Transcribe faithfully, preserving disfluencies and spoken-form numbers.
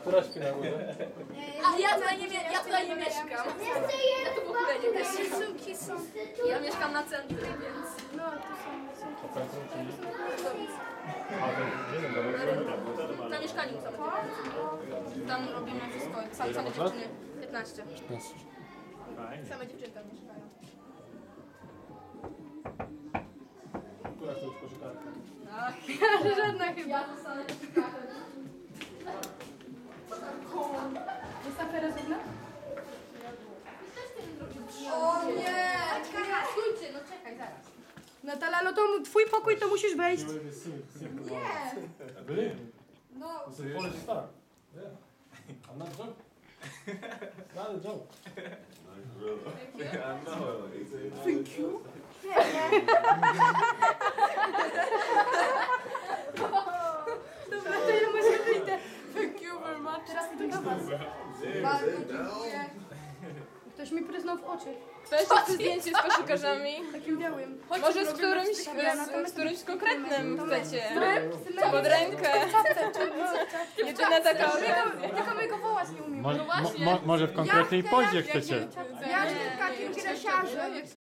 Która śpi na górze? A ja tutaj nie, ja tutaj nie mieszkam. Ja tu w ogóle nie mieszkam. Suki są. Ja mieszkam na centrum, więc... No, tu są. są. A centrum, czyli? A, to jeden dobry. Na mieszkaniu same dziewczyny. Tam robimy wszystko. Same, same dziewczyny. piętnaście. Same dziewczyny tam mieszkają. Która to już koszykarka? Ach, Żadna chyba. ja zostanę koszykarzem. Jest afera z ognia? O nie! Stójcie, no czekaj, zaraz. Natalia, no to twój pokój, to musisz wejść. Nie! Really? No, It's a Polish star. Yeah. I'm not joking. It's not a joke. Thank you. Dobra, to ja może wyjdę. Thank you very much. Teraz idę do was. bardzo dziękuję. Ktoś mi pryznął w oczy. Ktoś chce zdjęcie z koszykarzami? Takim białym. Może z którymś, z, z którymś konkretnym chcecie? Pod rękę. Jedyna taka okazja. Tylko my go wołać nie umiem. Mo, mo, mo, może w konkretnej pozie chcecie? Ja jestem takim gresiarzem.